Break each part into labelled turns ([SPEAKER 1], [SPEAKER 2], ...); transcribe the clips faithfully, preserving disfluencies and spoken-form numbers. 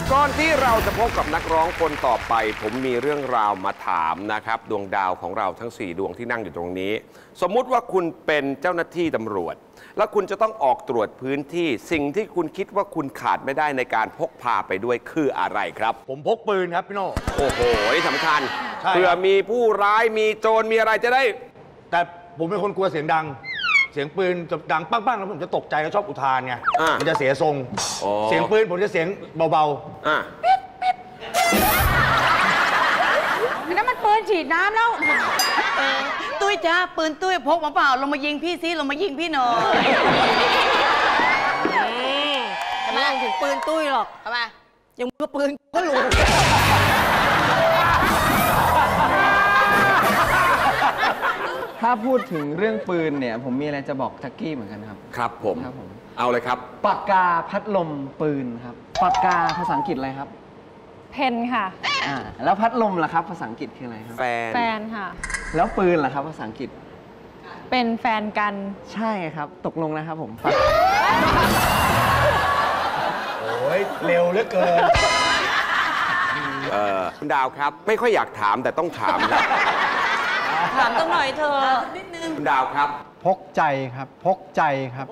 [SPEAKER 1] ก่อนที่เราจะพบกับนักร้องคนต่อไปผมมีเรื่องราวมาถามนะครับดวงดาวของเราทั้งสี่ดวงที่นั่งอยู่ตรงนี้สมมุติว่าคุณเป็นเจ้าหน้าที่ตำรวจแล้วคุณจะต้องออกตรวจพื้นที่สิ่งที่คุณคิดว่าคุณขาดไม่ได้ในการพกพาไปด้วยคืออะไรครับ
[SPEAKER 2] ผมพกปืนครับพี่โน่
[SPEAKER 1] โอ้โหสำคัญเผื่อมีผู้ร้ายมีโจรมีอะไรจะได้
[SPEAKER 2] แต่ผมเป็นคนกลัวเสียงดังเสียงปืนจะดังปั้งๆแล้วผมจะตกใจแล้วชอบอุทานไงมันจะเสียทรงเสียงปืนผมจะเสียงเบาๆ
[SPEAKER 3] อ่ะปิ๊ดปิ๊ดนั่นมันปืนฉีดน้ำแล้ว
[SPEAKER 4] ตุ้ยจ้าปืนตุ้ยพกมาเปล่าลงมายิงพี่ซิลงมายิงพี่หน่อย
[SPEAKER 3] ทำไมถึงปืนตุ้ยหรอกทำไมยังมือปืนก็หลุด
[SPEAKER 5] ถ้าพูดถึงเรื่องปืนเนี่ยผมมีอะไรจะบอกทักกี้เหมือนกันครับ
[SPEAKER 1] ครับผมครับผมเอาเลยครับ
[SPEAKER 5] ปากกาพัดลมปืนครับปากกาภาษาอังกฤษอะไรครับ
[SPEAKER 6] เพนค่ะ
[SPEAKER 5] อ่าแล้วพัดลมล่ะครับภาษาอังกฤษคืออะไรครับ
[SPEAKER 1] แฟน
[SPEAKER 6] แฟนค่ะ
[SPEAKER 5] แล้วปืนล่ะครับภาษาอังกฤษ
[SPEAKER 6] เป็นแฟนกัน
[SPEAKER 5] ใช่ครับตกลงนะครับผม
[SPEAKER 2] โอ้ยเร็วเหลือเกิน
[SPEAKER 1] เออคุณดาวครับไม่ค่อยอยากถามแต่ต้องถามครับ
[SPEAKER 4] ถามต้องหน่อยเธอนิดนึง
[SPEAKER 1] คุณดาวครับ
[SPEAKER 7] พกใจครับพกใจครับ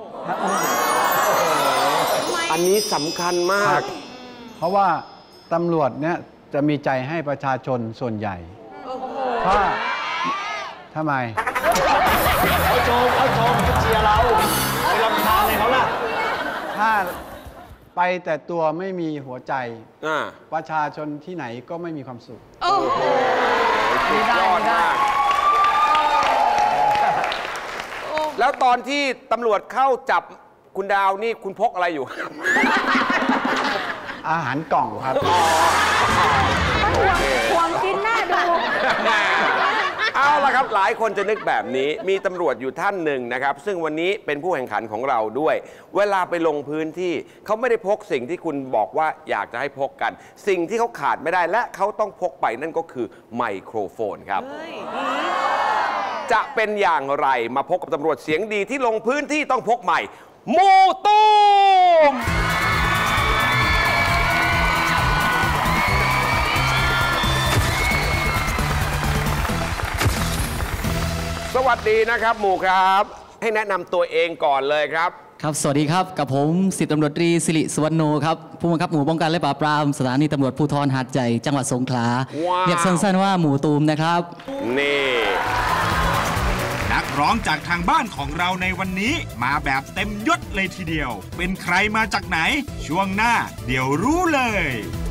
[SPEAKER 1] อันนี้สำคัญมาก
[SPEAKER 7] เพราะว่าตำรวจเนี่ยจะมีใจให้ประชาชนส่วนใหญ่ถ้าทำไม
[SPEAKER 2] เขาโจมเขาโจมเขาเชียร์เราไปรำคาญเลยเขาล่ะ
[SPEAKER 7] ถ้าไปแต่ตัวไม่มีหัวใจประชาชนที่ไหนก็ไม่มีความสุข
[SPEAKER 1] โอ้โหสุดยอดมากแล้วตอนที่ตำรวจเข้าจับคุณดาวนี่คุณพกอะไรอยู่
[SPEAKER 7] อาหารกล่องครับ
[SPEAKER 3] ห่วงกินหน้าดู
[SPEAKER 1] เอาละครับหลายคนจะนึกแบบนี้มีตำรวจอยู่ท่านหนึ่งนะครับซึ่งวันนี้เป็นผู้แข่งขันของเราด้วยเวลาไปลงพื้นที่เขาไม่ได้พกสิ่งที่คุณบอกว่าอยากจะให้พกกันสิ่งที่เขาขาดไม่ได้และเขาต้องพกไปนั่นก็คือไมโครโฟนครับจะเป็นอย่างไรมาพบกับตำรวจเสียงดีที่ลงพื้นที่ต้องพกใหม่มูตูมสวัสดีนะครับหมู่ครับให้แนะนำตัวเองก่อนเลยครับ
[SPEAKER 8] ครับสวัสดีครับกับผมสิบตำรวจตรีสิริสุวรรณโนครับผู้บังคับหมู่ป้องกันและปราบปรามสถานีตำรวจภูธรหาดใหญ่จังหวัดสงขลาเรียกสั้นๆว่าหมู่ตูมนะครับ
[SPEAKER 1] นี่
[SPEAKER 9] นักร้องจากทางบ้านของเราในวันนี้มาแบบเต็มยศเลยทีเดียวเป็นใครมาจากไหนช่วงหน้าเดี๋ยวรู้เลย